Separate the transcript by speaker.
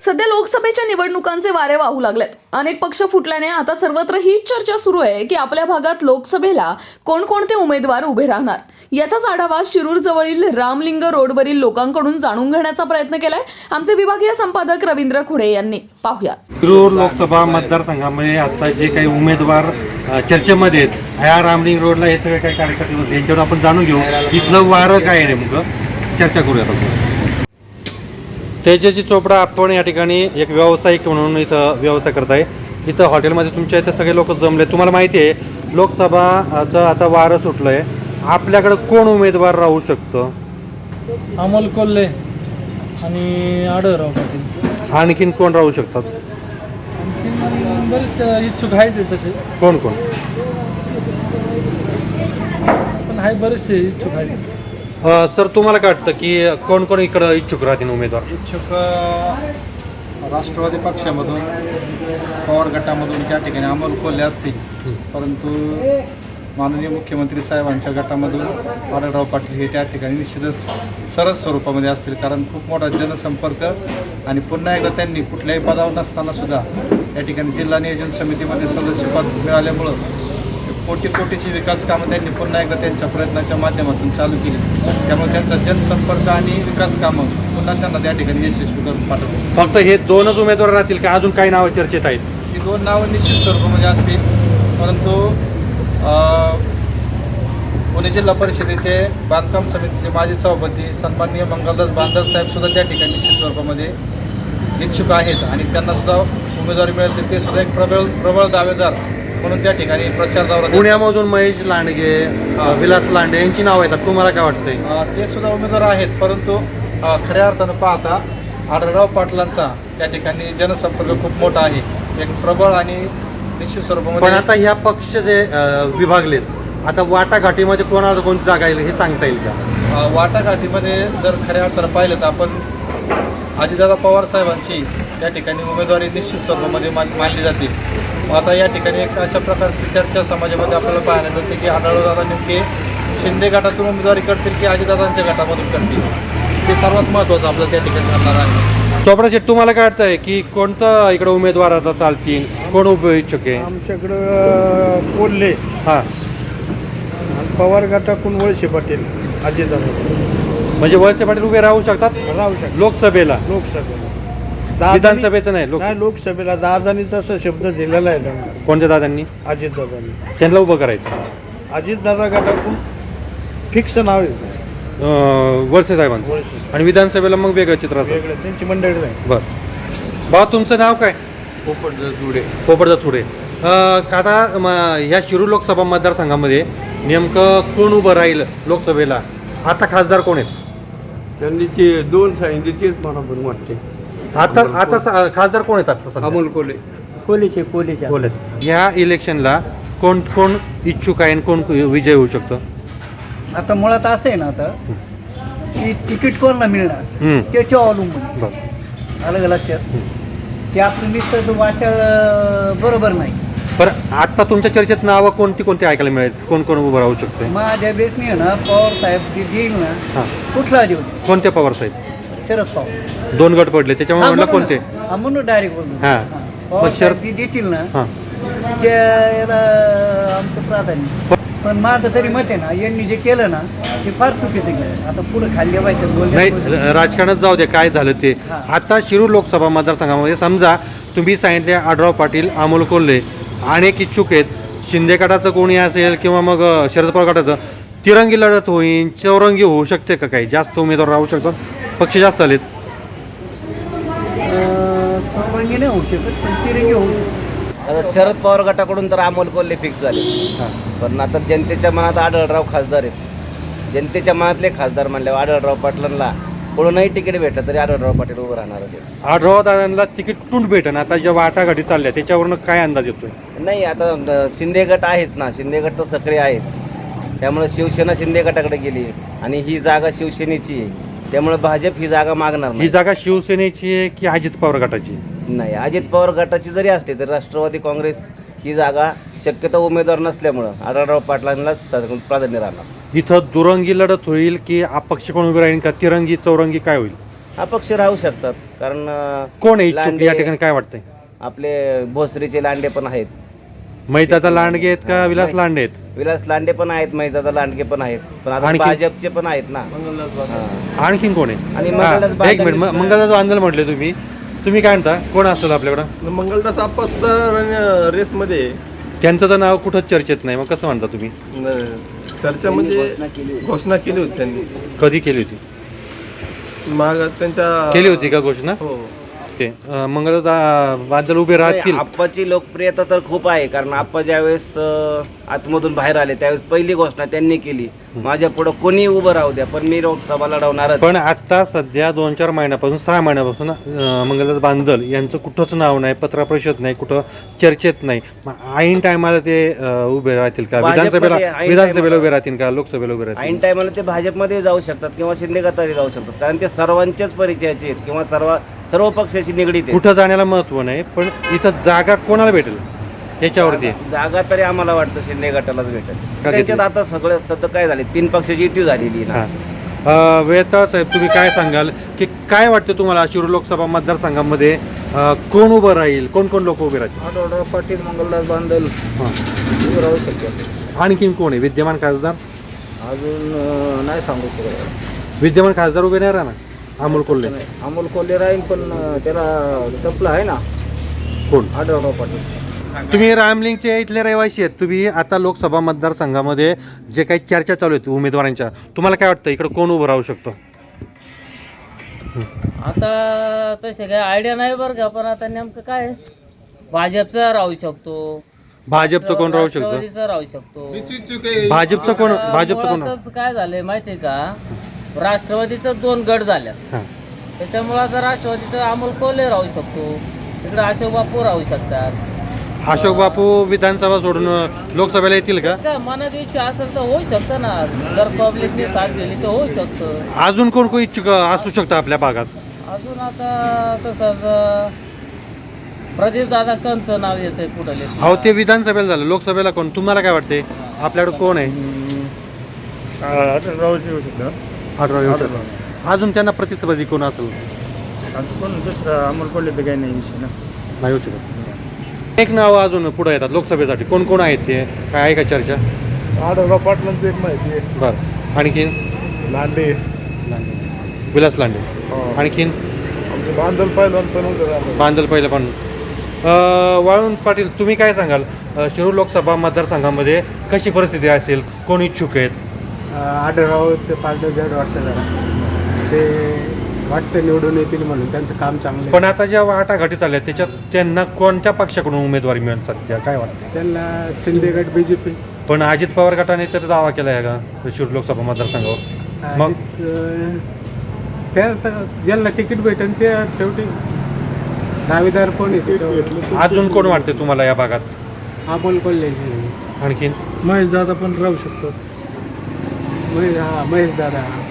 Speaker 1: सध्या लोकसभेच्या निवडणुकांचे वारे वाहू लागलेत. अनेक पक्ष फुटल्याने आता सर्वत्र हीच चर्चा सुरू आहे की आपल्या भागात लोकसभेला कोणकोणते उमेदवार उभे राहणार. याचाच आढावा शिरूर जवळील रामलिंग रोडवरील लोकांकडून जाणून घेण्याचा प्रयत्न केलाय आमचे विभागीय संपादक रवींद्र खुडे यांनी. पाहूया.
Speaker 2: शिरूर लोकसभा मतदारसंघामध्ये आता जे काही उमेदवार चर्चेमध्ये आहेत, ह्या रामलिंग रोडला हे सगळे काही कार्यकर्ते होते, यांच्यावर आपण जाणून घेऊ इथलं वारं काय आहे नेमकं, चर्चा करूयात आपण. तेजस्वी चोपडा आपण या ठिकाणी एक व्यावसायिक म्हणून इथं व्यवसाय करत आहे. इथं हॉटेलमध्ये तुमच्या इथं सगळे लोक जमले. तुम्हाला माहिती आहे लोकसभाचं आता वारं सुटलं आहे. आपल्याकडं कोण उमेदवार राहू शकतं?
Speaker 3: अमोल कोल्हे आणि आढळराव पाटील.
Speaker 2: आणखीन कोण राहू शकतात?
Speaker 3: आणखीन बरेच इच्छुक आहेत तसे.
Speaker 2: कोण कोण?
Speaker 3: पण आहे बरेचसे इच्छुक आहेत.
Speaker 2: सर तुम्हाला काय वाटतं की कोण कोण इकडं इच्छुक राहतील उमेदवार?
Speaker 4: इच्छुक राष्ट्रवादी पक्षामधून, पवार गटामधून त्या ठिकाणी अमोल कोल्हे असतील, परंतु माननीय मुख्यमंत्री साहेबांच्या गटामधून आढळराव पाटील हे त्या ठिकाणी निश्चितच सरळ स्वरूपामध्ये असतील. कारण खूप मोठा जनसंपर्क आणि पुन्हा एकदा त्यांनी कुठल्याही पदावर नसताना सुद्धा या ठिकाणी जिल्हा नियोजन समितीमध्ये सदस्यपद मिळाल्यामुळं कोटीची विकास कामं त्यांनी पुन्हा एकदा त्यांच्या प्रयत्नाच्या माध्यमातून चालू केली. त्यामुळे त्यांचा जनसंपर्क आणि विकास कामं पुन्हा त्यांना त्या ठिकाणी यशस्वी करून पाठवले.
Speaker 2: फक्त हे दोनच उमेदवार राहतील का अजून काही नावं चर्चेत आहेत?
Speaker 4: ही दोन नावं निश्चित स्वरूपामध्ये असतील, परंतु पुणे जिल्हा परिषदेचे बांधकाम समितीचे माजी सभापती सन्माननीय मंगलदास बांदल साहेब सुद्धा त्या ठिकाणी निश्चित स्वरूपामध्ये इच्छुक आहेत आणि त्यांना सुद्धा उमेदवारी मिळेल. ते सुद्धा एक प्रबळ दावेदार म्हणून त्या ठिकाणी प्रचार दौरा.
Speaker 2: पुण्यामधून महेश लांडगे, विलास लांडे यांची नावं येतात. तुम्हाला काय वाटतंय?
Speaker 4: ते सुद्धा उमेदवार आहेत, परंतु खऱ्या अर्थानं पाहता आढळराव पाटलांचा त्या ठिकाणी जनसंपर्क खूप मोठा आहे, एक प्रबळ आणि निश्चित स्वरूपामध्ये.
Speaker 2: पण आता ह्या पक्ष जे विभागलेत, आता वाटाघाटीमध्ये कोणाला कोणती जागा येईल हे सांगता येईल का?
Speaker 4: वाटाघाटीमध्ये जर खऱ्या अर्थानं पाहिलं तर आपण अजितदादा पवार साहेबांची त्या ठिकाणी उमेदवारी निश्चित स्वरूपामध्ये मानली जाते. आता या ठिकाणी एक अशा प्रकारची चर्चा समाजामध्ये आपल्याला पाहायला मिळते की आढळरावदादा नेमके शिंदे गटातून उमेदवारी करतील की अजितदादांच्या गटामधून करतील, ते सर्वात महत्त्वाचं आपलं त्या ठिकाणी ठरणार आहे.
Speaker 2: चोपडा शेठ, तुम्हाला काय वाटतंय की कोणतं इकडं उमेदवार आता चालतील, कोण उभे इच्छुक आहे?
Speaker 5: आमच्याकडं कोल्हे
Speaker 2: हां,
Speaker 5: पवार गटाकडून वळसे पाटील, अजितदादा.
Speaker 2: म्हणजे वळसे पाटील उभे राहू शकतात
Speaker 5: राहू शकतात
Speaker 2: लोकसभेला?
Speaker 5: लोकसभेला
Speaker 2: विधानसभेचं नाही,
Speaker 5: नाही, लोकसभेला दादानी तसा शब्द दिलेला आहे त्यांना.
Speaker 2: कोणत्या दादांनी?
Speaker 5: अजितदादांनी.
Speaker 2: त्यांना उभं करायचं.
Speaker 5: अजितदादा गटाकडून फिक्स नाव आहे
Speaker 2: वळसे साहेबांचं.
Speaker 5: वळसे.
Speaker 2: आणि विधानसभेला मग वेगळं चित्र असेल.
Speaker 5: वेगळं त्यांची मंडळी नाही.
Speaker 2: बरं बा, तुमचं नाव काय? पोपटदास चुडे. आता ह्या शिरूर लोकसभा मतदारसंघामध्ये नेमकं कोण उभं राहील लोकसभेला? आता खासदार कोण आहेत?
Speaker 6: त्यांनी ते दोन सांगितले तेच मला पण वाटते.
Speaker 2: आता खासदार कोण येतात?
Speaker 6: अमोल कोल्हे.
Speaker 2: कोल्हे. ह्या इलेक्शनला कोण कोण इच्छुक आहे आणि कोण विजय होऊ शकतो?
Speaker 7: आता मुळात असं आहे ना, आता की तिकीट कोणाला मिळणार त्याच्या अवलंबून. अलग लक्षात ते आपलं मित्र वाचाळ बरोबर नाही.
Speaker 2: बरं, आता तुमच्या चर्चेत नावं कोणती ऐकायला मिळेल? कोण कोण उभं राहू शकते?
Speaker 7: माझ्या बेसने ना पवार साहेब जे देईल ना, कुठला देऊ?
Speaker 2: कोणते पवार साहेब?
Speaker 7: शरद पवार.
Speaker 2: 2 गट पडले त्याच्यामुळे म्हणलं कोणते?
Speaker 7: म्हणून डायरेक्ट बोलून
Speaker 2: हां.
Speaker 7: पवार
Speaker 2: शरद
Speaker 7: साहेब जे देतील ना
Speaker 2: हां,
Speaker 7: त्याला आमचं प्राधान्य. पण माझं तरी मत आहे ना, यांनी जे केलं ना ते फार चुकीचं केलं. आता पुढे खाल्ल्या पाहिजे
Speaker 2: नाही, राजकारणात जाऊ दे काय झालं ते. आता शिरूर लोकसभा मतदारसंघामध्ये समजा तुम्ही सांगितले आढळराव पाटील, अमोल कोल्हे अनेक इच्छुक आहेत. शिंदे गटाचं कोणी असेल किंवा मग शरद पवार गटाचं, तिरंगी लढत होईल, चौरंगी होऊ शकते का? काही जास्त उमेदवार राहू शकतात, पक्ष जास्त आलेत.
Speaker 7: चौरंगी नाही होऊ शकत, पण तिरंगी होऊ शकत.
Speaker 8: आता शरद पवार गटाकडून तर अमोल कोल्हे फिक्स झाले, पण आता जनतेच्या मनात आढळराव खासदार आहेत. जनतेच्या मनातले खासदार म्हणल्यावर आढळराव पाटलांना कोणूनही तिकीट भेटलं तरी आढळराव पाटील उभं राहणार होते.
Speaker 2: आढळराव दादांना तिकीट कुठून भेटन? आता ज्या वाटाघाटी चालल्या त्याच्यावरनं काय अंदाज येतोय?
Speaker 8: नाही, आता शिंदे गट आहेत ना, शिंदे गट तर सक्रिय आहेच. त्यामुळे शिवसेना शिंदे गटाकडे गेली आणि ही जागा शिवसेनेची आहे. त्यामुळे भाजप ही जागा मागणार
Speaker 2: ही
Speaker 8: नाही.
Speaker 2: जागा शिवसेनेची आहे की अजित पवार गटाची?
Speaker 8: नाही, अजित पवार गटाची जरी असली तरी राष्ट्रवादी काँग्रेस ही जागा शक्यतो उमेदवार नसल्यामुळं आढळराव पाटलांनाच प्राधान्य राहणार.
Speaker 2: इथं दुरंगी लढत होईल की अपक्ष कोण उभे राहील का? तिरंगी चौरंगी काय होईल?
Speaker 8: अपक्ष राहू शकतात कारण
Speaker 2: कोण आहे इच्छुक
Speaker 8: लांडे-
Speaker 2: या ठिकाणी काय वाटतंय?
Speaker 8: आपले भोसरीचे लांडे पण आहेत,
Speaker 2: मैताता लांडगे आहेत का विलास लांडे आहेत?
Speaker 8: विलास लांडे पण आहेत, महिजादा लांडगे पण आहेत, पण आता
Speaker 2: आणखी?
Speaker 8: भाजपचे पण आहेत ना. हां.
Speaker 2: आणखीन कोण आहे?
Speaker 8: आणि
Speaker 2: हा,
Speaker 8: मंगलदास
Speaker 2: एक मिनिट
Speaker 8: बांधल-
Speaker 2: मंगलदास बांधल म्हटले तुम्ही काय म्हणता कोण असेल आपल्याकडं?
Speaker 9: मंगलदास आप्पा सुद्धा रेसमध्ये
Speaker 2: त्यांचं तर नाव कुठंच चर्चेत नाही, मग कसं म्हणता तुम्ही?
Speaker 9: चर्चेमध्ये घोषणा केली होती त्यांनी.
Speaker 2: कधी केली होती?
Speaker 9: मग त्यांच्या
Speaker 2: केली होती का घोषणा?
Speaker 9: हो.
Speaker 2: ते मंगलदास बांधल उभे राहतील.
Speaker 8: आप्पाची लोकप्रियता तर खूप आहे कारण आप्पा ज्यावेळेस आतमधून बाहेर आले त्यावेळेस पहिली घोषणा त्यांनी केली, माझ्या पुढे कोणी उभं राहू द्या पण मी लोकसभा लढवणारच.
Speaker 2: पण आता सध्या 2-4 महिन्यापासून 6 महिन्यापासून मंगलदास बांधल यांचं कुठंच नाव नाही, पत्रपरिषद नाही, कुठं चर्चेत नाही. मग ऐन टायमाला ते उभे राहतील का?
Speaker 8: भाजपमध्ये
Speaker 2: विधानसभेला उभे राहतील का? लोकसभेला उभे राहतील?
Speaker 8: ऐन टायमाला ते भाजपमध्ये जाऊ शकतात किंवा शिंदे गटारी जाऊ शकतात कारण ते सर्वांच्याच परिचयाचे आहेत किंवा सर्व पक्षाशी निगडीत आहेत.
Speaker 2: कुठं जाण्याला महत्व नाही, पण इथं जागा कोणाला भेटेल याच्यावरती आहे.
Speaker 8: जागा तरी आम्हाला वाटतं शिंदे गटालाच भेटेल.
Speaker 2: का
Speaker 8: त्यांच्यात आता सगळं सतत काय झाले 3 पक्षाची युती झालेली आहे ना.
Speaker 2: हां. वेताळ साहेब तुम्ही काय सांगाल की काय वाटतं तुम्हाला शिरूर लोकसभा मतदारसंघामध्ये कोण उभं राहील, कोण लोक उभे राहतील?
Speaker 7: आढळराव पाटील, मंगलदास बांधल राहू शकतात.
Speaker 2: आणखीन कोण आहे? विद्यमान खासदार?
Speaker 7: अजून नाही सांगू शकत.
Speaker 2: विद्यमान खासदार उभे नाही राहणार? अमोल कोल्हे.
Speaker 7: अमोल कोल्हे राहील पण त्याला टपलं आहे ना
Speaker 2: कोण?
Speaker 7: आढळराव पाटील.
Speaker 2: तुम्ही रामलिंगचे इथले रहिवासी आहेत, तुम्ही आता लोकसभा मतदारसंघामध्ये जे काही चर्चा चालू आहेत उमेदवारांच्या, तुम्हाला काय वाटतं इकडे कोण उभं राहू शकतं?
Speaker 10: आता तसे काय आयडिया नाही बरं का, पण आता नेमकं काय भाजपचा राहू शकतो,
Speaker 2: भाजपचं कोण राहू शकतं?
Speaker 10: राष्ट्रवादीचा राहू शकतो.
Speaker 2: भाजपचं कोण?
Speaker 10: मुळातच काय झालंय माहितीये का, राष्ट्रवादीचं 2 गट झाल्यात,
Speaker 2: हां.
Speaker 10: त्याच्यामुळे आता राष्ट्रवादीचं अमोल कोल्हे राहू शकतो, तिकडे अशोक बापू राहू शकतात.
Speaker 2: अशोक बापू विधानसभा सोडून लोकसभेला येतील का?
Speaker 10: काय मनात इच्छा असेल तर होऊ शकतं ना, जर पब्लिकने साथ दिली तर होऊ शकतं.
Speaker 2: अजून कोण इच्छुक असू शकतं आपल्या भागात?
Speaker 10: अजून आता तसंच प्रदीप दादा कंचं नाव येतंय पुढे.
Speaker 2: अहो ते विधानसभेला झालं, लोकसभेला कोण? तुम्हाला काय वाटते आपल्याकडे कोण आहे?
Speaker 5: राहू शकतं.
Speaker 2: आढळराव येऊ शकतो. अजून त्यांना प्रतिस्पर्धी कोण असेल?
Speaker 5: कोण दुसरं अमोल कोल्हे तर काही नाही ना.
Speaker 2: नाही होऊ शकत. एक नाव अजून पुढे येतात लोकसभेसाठी, कोण आहेत ते? काय आहे का चर्चा?
Speaker 5: आढळराव पाटलांचं एक माहिती आहे.
Speaker 2: बरं. आणखीन?
Speaker 5: लांडे,
Speaker 2: विलास लांडे. आणखीन?
Speaker 5: आमचे बांधल पहिलवान पण उभे राहतात.
Speaker 2: बांधल पहिलं पण. वाळून पाटील तुम्ही काय सांगाल शिरूर लोकसभा मतदारसंघामध्ये कशी परिस्थिती असेल, कोण इच्छुक आहेत?
Speaker 3: आढळरावचे पार्ट जड वाटतं जरा, ते वाटतं निवडून येतील म्हणून, त्यांचं काम चांगलं आहे.
Speaker 2: पण आता ज्या वाटाघाटी चालल्या त्याच्यात त्यांना कोणत्या पक्षाकडून उमेदवारी मिळेल सध्या काय वाटतं?
Speaker 3: त्यांना शिंदे गट, BJP.
Speaker 2: पण अजित पवार गटाने तर दावा केला आहे का शिरूर लोकसभा मतदारसंघावर? मग
Speaker 3: त्या ज्यांना तिकीट भेटेल ते शेवटी दावेदार कोण येते?
Speaker 2: अजून कोण वाटते तुम्हाला या भागात?
Speaker 3: अमोल कोल्हे.
Speaker 2: आणखीन?
Speaker 3: महेश दादा पण राहू शकतो. महेश दादा